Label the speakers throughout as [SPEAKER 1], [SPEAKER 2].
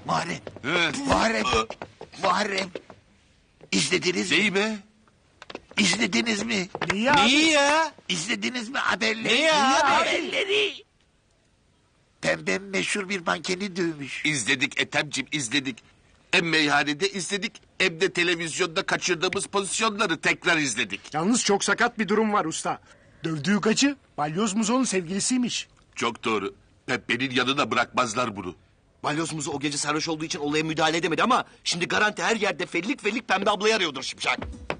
[SPEAKER 1] Muharrem.
[SPEAKER 2] He.
[SPEAKER 1] Muharrem. İzlediniz mi?
[SPEAKER 2] Neyi be?
[SPEAKER 1] İzlediniz mi?
[SPEAKER 2] Neyi ya?
[SPEAKER 1] İzlediniz mi haberleri?
[SPEAKER 2] Ne ya?
[SPEAKER 1] Haberleri. Pembem meşhur bir mankeni dövmüş.
[SPEAKER 2] İzledik Ethem'cim izledik. Hem meyhanede izledik hem de televizyonda kaçırdığımız pozisyonları tekrar izledik.
[SPEAKER 3] Yalnız çok sakat bir durum var usta. Dövdüğü gacı Balyoz Muzo'nun sevgilisiymiş.
[SPEAKER 2] Çok doğru. Pembe'nin yanına bırakmazlar bunu.
[SPEAKER 4] Balyoz Muzo o gece sarhoş olduğu için olaya müdahale edemedi ama... ...şimdi garanti her yerde fellik Pembe ablayı arıyordur Şipşak.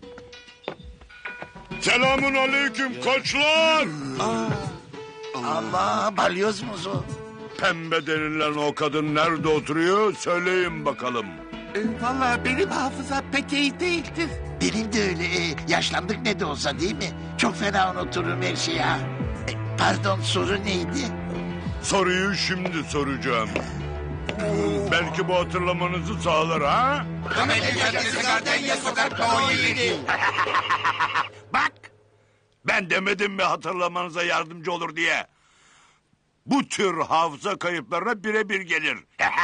[SPEAKER 5] Selamun aleyküm koçlar.
[SPEAKER 1] Allah, balyoz muzu.
[SPEAKER 5] Pembe denilen o kadın nerede oturuyor söyleyin bakalım.
[SPEAKER 2] Vallahi benim hafızam pek iyi değildir.
[SPEAKER 1] Benim de öyle. Yaşlandık ne de olsa değil mi? Çok fena unuturum her şeyi ha. Pardon, soru neydi?
[SPEAKER 5] Soruyu şimdi soracağım. Belki bu hatırlamanızı sağlar ha? Bak! Ben demedim mi hatırlamanıza yardımcı olur diye. Bu tür hafıza kayıplarına birebir gelir.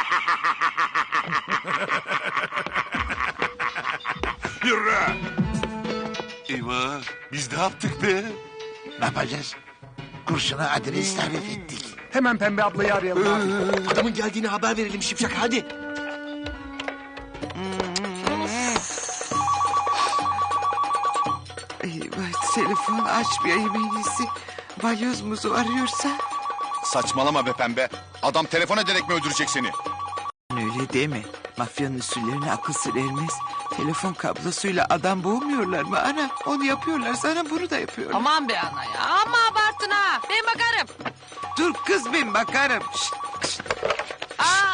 [SPEAKER 5] Yürü!
[SPEAKER 2] Eyvah biz ne yaptık be?
[SPEAKER 1] Ne yapacağız? Kurşuna adres tarif ettik.
[SPEAKER 3] Hemen Pembe ablayı arayalım abi.
[SPEAKER 4] Adamın geldiğini haber verelim Şipşak hadi.
[SPEAKER 6] Eyvah, telefon açmayayım en iyisi. Balyoz Muzo arıyorsa?
[SPEAKER 7] Saçmalama be Pembe. Adam telefon ederek mi öldürecek seni?
[SPEAKER 6] Öyle deme. Mafyanın usullerine akıl sır ermez. Telefon kablosuyla adam boğmuyorlar mı ana? Onu yapıyorlar sana bunu da yapıyorlar.
[SPEAKER 8] Aman be ana ya. Ama abarttın ha. Ben bakarım.
[SPEAKER 6] Dur kız ben bakarım. Şşt, şşt.
[SPEAKER 8] Aa,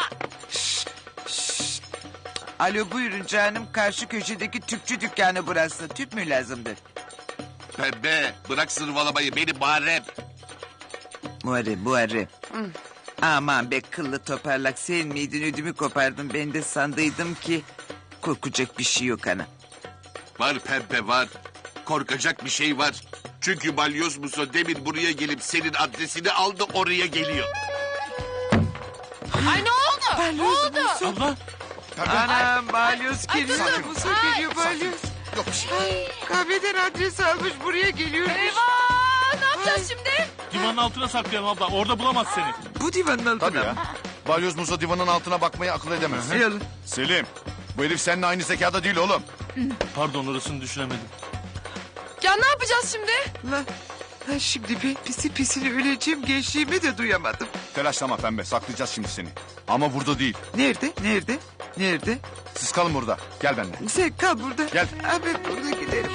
[SPEAKER 6] Alo buyurun canım. Karşı köşedeki tüpçü dükkanı burası. Tüp mü lazımdır?
[SPEAKER 2] Pembe bırak zırvalamayı benim Muharrem.
[SPEAKER 6] Muharrem. Aman be kıllı toparlak sen miydin ödümü kopardın. Ben de sandıydım ki korkacak bir şey yok ana.
[SPEAKER 2] Var Pembe var. Korkacak bir şey var. Çünkü Balyoz Muso demin buraya gelip senin adresini aldı oraya geliyor.
[SPEAKER 8] ay ne oldu? Ne oldu?
[SPEAKER 6] Anam balyoz geliyor.
[SPEAKER 8] kızım.
[SPEAKER 6] Musa
[SPEAKER 8] Ay.
[SPEAKER 6] geliyor balyoz.
[SPEAKER 7] Yok bir şey.
[SPEAKER 6] Kahveden adres almış buraya geliyor.
[SPEAKER 8] Eyvah! Ne yapacağız şimdi?
[SPEAKER 9] Divanın altına saklayalım abla. Orada bulamaz seni.
[SPEAKER 6] Bu divanın altına
[SPEAKER 7] Tabii ya.
[SPEAKER 6] mı?
[SPEAKER 7] Balyoz Muzo divanın altına bakmayı akıl edemez.
[SPEAKER 6] Yalan.
[SPEAKER 7] Selim, bu herif seninle aynı zekada değil oğlum.
[SPEAKER 9] Pardon orasını düşünemedim.
[SPEAKER 8] Ya ne yapacağız şimdi?
[SPEAKER 6] Lan şimdi ben pisini öleceğim gençliğimi de duyamadım.
[SPEAKER 7] Telaşlama Pembe, saklayacağız şimdi seni. Ama burada değil.
[SPEAKER 6] Nerede?
[SPEAKER 7] Siz kalın burada. Gel benimle.
[SPEAKER 6] Sen kal burada.
[SPEAKER 7] Gel.
[SPEAKER 6] Abi burada gidelim.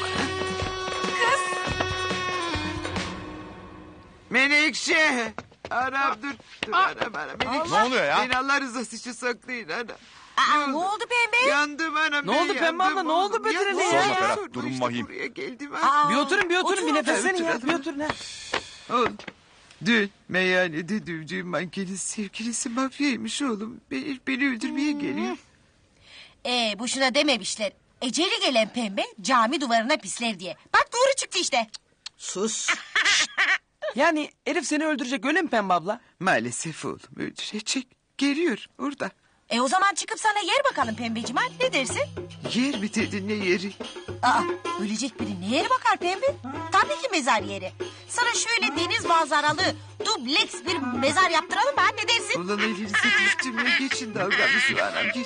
[SPEAKER 6] Menekşe. Anam dur. Anam. Menekşe.
[SPEAKER 7] Ne oluyor ya?
[SPEAKER 6] Beni Allah rızası için saklayın ana.
[SPEAKER 8] Ne oldu pembe?
[SPEAKER 6] Yandım anam.
[SPEAKER 9] Ne oldu Pembe abla, ne oldu Bedir'e ya?
[SPEAKER 7] Sorma Ferhat, durum vahim.
[SPEAKER 6] Buraya geldim ha.
[SPEAKER 9] Bir oturun bir nefeslenin ya. Bir oturun ha.
[SPEAKER 6] Oğlum. Dün meyhanede dövdüğüm mankenin sevgilisi mafyaymış oğlum. Beni öldürmeye geliyor.
[SPEAKER 10] Boşuna dememişler. Eceli gelen pembe cami duvarına pisler diye. Bak doğru çıktı işte.
[SPEAKER 6] Sus.
[SPEAKER 9] Yani herif seni öldürecek öyle mi Pembe abla?
[SPEAKER 6] Maalesef oğlum öldürecek. Geliyor orada.
[SPEAKER 10] O zaman çıkıp sana yer bakalım pembeciğim ha, ne dersin?
[SPEAKER 6] Yer mi dedin ne yeri?
[SPEAKER 10] Ölecek biri neye bakar pembe? Tabii ki mezar yeri. Sana şöyle deniz manzaralı dubleks bir mezar yaptıralım mı ha, ne dersin?
[SPEAKER 6] Ulan elinize düştüm ya geçin dalganızı anam geç.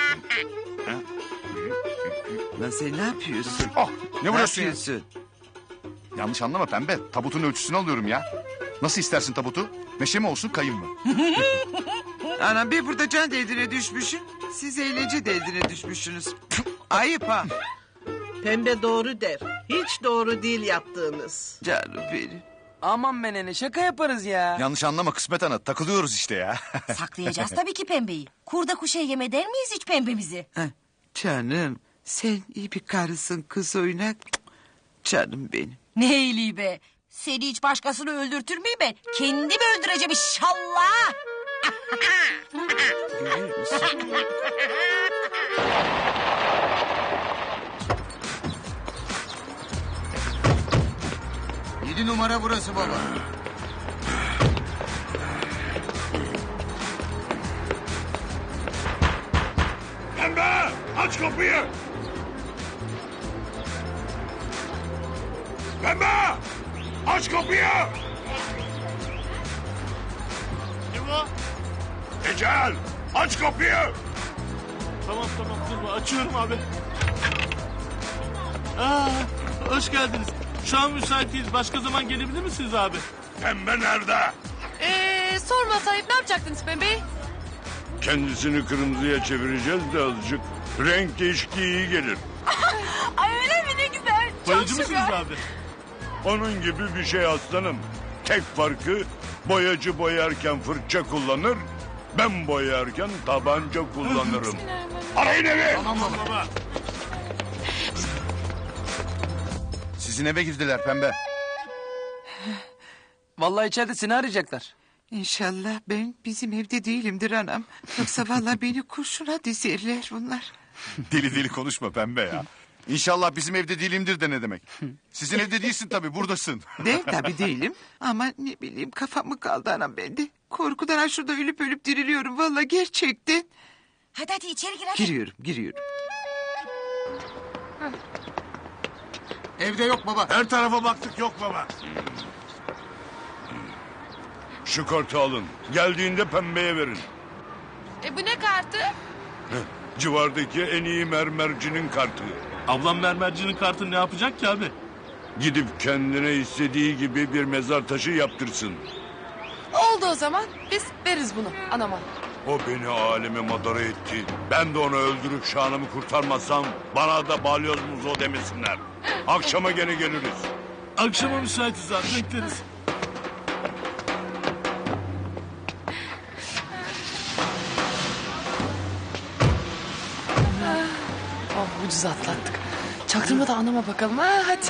[SPEAKER 6] Lan sen ne yapıyorsun?
[SPEAKER 7] Oh, ne vuruyorsun ya?
[SPEAKER 6] yapıyorsun?
[SPEAKER 7] Yanlış anlama Pembe, tabutun ölçüsünü alıyorum ya. Nasıl istersin tabutu? Meşe mi olsun, kayın mı?
[SPEAKER 6] Anam ben burada can derdine düşmüşüm. Siz eğlence derdine düşmüşsünüz. Ayıp ha.
[SPEAKER 11] Pembe doğru der. Hiç doğru değil yaptığınız.
[SPEAKER 6] Canım benim.
[SPEAKER 9] Aman menene şaka yaparız ya.
[SPEAKER 7] Yanlış anlama Kısmet Ana, takılıyoruz işte ya.
[SPEAKER 10] Saklayacağız tabii ki pembeyi. Kurda kuşa yem eder miyiz hiç pembemizi?
[SPEAKER 6] Canım sen iyi bir karısın kız oynak. Canım benim.
[SPEAKER 10] Ne iyiliği be. Seni hiç başkasını öldürtür müyüm ben? Kendimi öldüreceğim inşallah.
[SPEAKER 6] Görüyor musun?
[SPEAKER 4] 7 numara burası baba.
[SPEAKER 5] Aç kapıyı. Pembe! Aç kapıyı.
[SPEAKER 12] Kim o?
[SPEAKER 5] Ecel! Aç kapıyı.
[SPEAKER 12] Tamam dur açıyorum abi. Hoş geldiniz. Şu an müsaitiz. Başka zaman gelebilir misiniz abi?
[SPEAKER 5] Pembe nerede?
[SPEAKER 8] Sorma sahip ne yapacaktınız Pembe?
[SPEAKER 5] Kendisini kırmızıya çevireceğiz de azıcık. Renk değişikliği iyi gelir.
[SPEAKER 8] Ay öyle mi ne güzel.
[SPEAKER 12] Boyacı mısınız abi?
[SPEAKER 5] Onun gibi bir şey aslanım. Tek farkı boyacı boyarken fırça kullanır. Ben boyarken tabanca kullanırım. Arayın evi.
[SPEAKER 12] Tamam baba.
[SPEAKER 7] Sizin eve girdiler pembe.
[SPEAKER 9] Vallahi içeride seni arayacaklar.
[SPEAKER 6] İnşallah ben bizim evde değilimdir anam. Yoksa vallahi beni kurşuna dizerler bunlar.
[SPEAKER 7] Deli deli konuşma pembe ya. İnşallah bizim evde değilimdir de ne demek? Sizin evde değilsin tabii buradasın.
[SPEAKER 6] De tabii değilim. Ama ne bileyim kafam mı kaldı anam bende. Korkudan ha şurada ölüp ölüp diriliyorum vallahi gerçekten.
[SPEAKER 10] Hadi içeri gir hadi.
[SPEAKER 6] Giriyorum.
[SPEAKER 7] Evde yok baba.
[SPEAKER 5] Her tarafa baktık yok baba. Şu kartı alın. Geldiğinde pembeye verin.
[SPEAKER 8] Bu ne kartı?
[SPEAKER 5] Civardaki en iyi mermercinin kartı.
[SPEAKER 12] Ablam mermercinin kartını ne yapacak ki abi?
[SPEAKER 5] Gidip kendine istediği gibi bir mezar taşı yaptırsın.
[SPEAKER 8] Oldu o zaman. Biz veririz bunu anama.
[SPEAKER 5] O beni aleme madara etti. Ben de onu öldürüp şanımı kurtarmasam bana da balyoz muzo demesinler. Akşama gene geliriz.
[SPEAKER 12] Akşama müsaitiz abi bekleriz.
[SPEAKER 8] Oh ucuz atlattık. Çaktırma da anama bakalım ha hadi.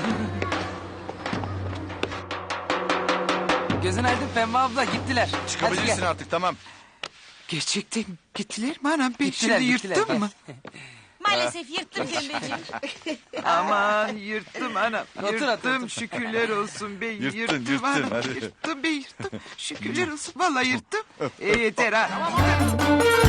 [SPEAKER 9] Gözün aydın Pembe abla gittiler. Hadi
[SPEAKER 7] Çıkabilirsin
[SPEAKER 9] gel.
[SPEAKER 7] artık tamam.
[SPEAKER 6] Gerçekten gittiler mi anam? Ben
[SPEAKER 9] Gittiler,
[SPEAKER 6] şimdi
[SPEAKER 9] gittiler,
[SPEAKER 6] yırttım
[SPEAKER 9] gel.
[SPEAKER 6] mı?
[SPEAKER 10] Maalesef yırttın Pembeciğim.
[SPEAKER 6] Aman yırttım anam.
[SPEAKER 9] Otur,
[SPEAKER 6] Yırttım
[SPEAKER 9] otur.
[SPEAKER 6] şükürler olsun. Ben
[SPEAKER 7] Yırttın,
[SPEAKER 6] yırttım anam.
[SPEAKER 7] hadi.
[SPEAKER 6] Yırttım. Şükürler olsun. Vallahi yırttım. Yeter ha.